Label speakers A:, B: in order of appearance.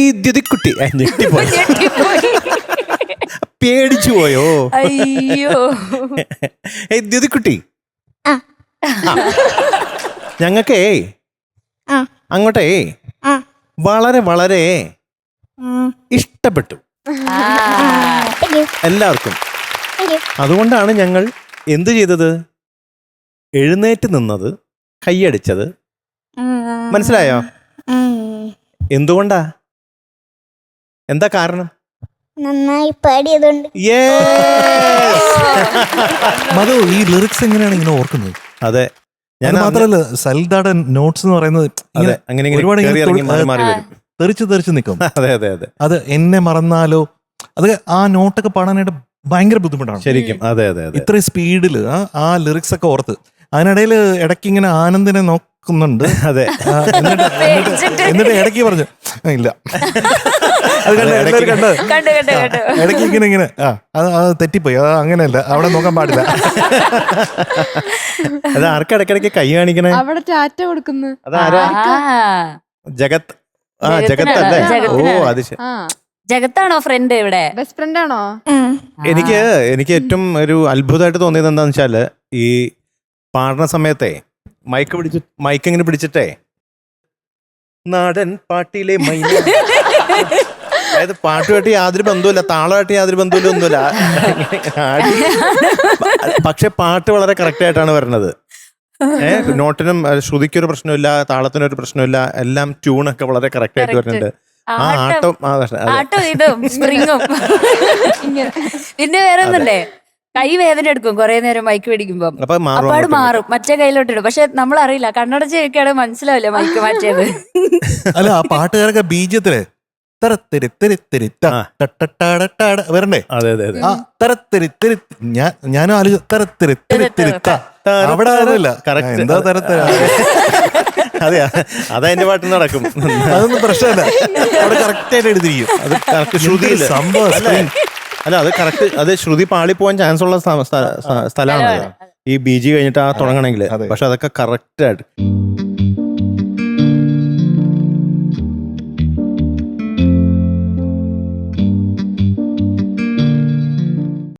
A: ദ്യുതിക്കുട്ടി ഞെട്ടിപ്പോയി, പേടിച്ചു പോയോ?
B: അയ്യോ.
A: ദ്യുതിക്കുട്ടി, ഞങ്ങൾക്കേ അങ്ങോട്ടേ വളരെ വളരെ ഇഷ്ടപ്പെട്ടു എല്ലാവർക്കും. അതുകൊണ്ടാണ് ഞങ്ങൾ എന്ത് ചെയ്തത്, എഴുന്നേറ്റ് നിന്നത്, കൈയടിച്ചത്. മനസ്സിലായോ? എന്തുകൊണ്ടാ, എന്താ കാരണം?
C: നന്നായി പാടിയതുകൊണ്ട്.
D: മധു, ഈ ലിറിക്സ് എങ്ങനെയാണ് ഇങ്ങനെ ഓർക്കുന്നത്?
A: അതെ,
D: ഞാൻ മാത്രല്ല സൽദാടെ നോട്ട്സ് എന്ന് പറയുന്നത് ഒരുപാട് തെറിച്ച് നിൽക്കും.
A: അതെ അതെ അതെ,
D: അത് എന്നെ മറന്നാലോ, അത് ആ നോട്ടൊക്കെ പാടാനായിട്ട് ഭയങ്കര ബുദ്ധിമുട്ടാണ്
A: ശരിക്കും. അതെ അതെ അതെ,
D: ഇത്രയും സ്പീഡില് ആ ലിറിക്സ് ഒക്കെ ഓർത്ത്. അതിനിടയിൽ ഇടയ്ക്ക് ഇങ്ങനെ ആനന്ദിനെ നോക്കുന്നുണ്ട്.
A: അതെ,
D: എന്നിട്ട് ഇടയ്ക്ക് പറഞ്ഞു ഇല്ല, അത് ഇടയ്ക്ക് ഇങ്ങനെ അത് തെറ്റിപ്പോയി, അത് അങ്ങനെയല്ല, അവിടെ നോക്കാൻ പാടില്ല.
A: അത് ആർക്കും ഇടയ്ക്കിടയ്ക്ക് കൈ കാണിക്കണേ,
E: അവിടെ ടാറ്റ കൊടുക്കുന്നു.
A: അതാരാ? ജഗത്. ജഗത് അല്ലേ? ഓ അത് ശരി.
B: ജഗത്താണോ ഫ്രണ്ട്? ഇവിടെ
E: ബെസ്റ്റ് ഫ്രണ്ട് ആണോ?
A: എനിക്ക് ഏറ്റവും ഒരു അത്ഭുതമായിട്ട് തോന്നിയത് എന്താന്ന് വെച്ചാല്, ഈ പാടുന്ന സമയത്തെ മൈക്ക് ഇങ്ങനെ പിടിച്ചിട്ടേ നാടൻ പാട്ടിലെ മൈന, അതായത് പാട്ടുമായിട്ട് യാതൊരു ബന്ധവുമില്ല, താളമായിട്ട് യാതൊരു ബന്ധവുമില്ല, ഒന്നുമില്ല. പക്ഷെ പാട്ട് വളരെ കറക്റ്റ് ആയിട്ടാണ് വരുന്നത്. നോട്ടിനും ശ്രുതിക്കൊരു പ്രശ്നമില്ല, താളത്തിനൊരു പ്രശ്നമില്ല, എല്ലാം ട്യൂണൊക്കെ വളരെ കറക്റ്റ് ആയിട്ട് വരുന്നുണ്ട്. ആ ആട്ടം
B: ഇതും സ്പ്രിങ്ങും. പിന്നെ വേറെ ഒന്നുണ്ടേ, കൈ വേദന എടുക്കും കുറെ നേരം മൈക്ക് പിടിക്കുമ്പോ, അപ്പാട് മാറും, മറ്റേ കയ്യിലോട്ടിടും. പക്ഷെ നമ്മൾ അറിയില്ല, കണ്ണടച്ച് വെക്കുകയാണെങ്കിൽ മനസ്സിലാവില്ല മൈക്ക് മാറ്റിയത്.
D: അല്ല, ആ പാട്ടുകാരൊക്കെ ബീജത്തില് വരണ്ടേ?
A: അതെ അതെ അതെ,
D: ആ തരത്തിരി ഞാനും ആലോചിച്ചു അവിടെ അറിയില്ല എന്താ തരത്തിര.
A: അതെ, അതെന്റെ പാട്ട് നടക്കും,
D: അതൊന്നും പ്രശ്നമല്ല, അവിടെ കറക്റ്റ് ആയിട്ട് എടുത്തിരിക്കും.
A: അത് കറക്റ്റ് ശ്രുതിയില്ല
D: സംഭവം.
A: അല്ല, അത് കറക്റ്റ്, അത് ശ്രുതി പാളി പോകാൻ ചാൻസ് ഉള്ള സ്ഥലമാണ് ഈ ബീജി കഴിഞ്ഞിട്ട് ആ തുടങ്ങണമെങ്കിൽ. പക്ഷെ അതൊക്കെ കറക്റ്റ് ആയിട്ട്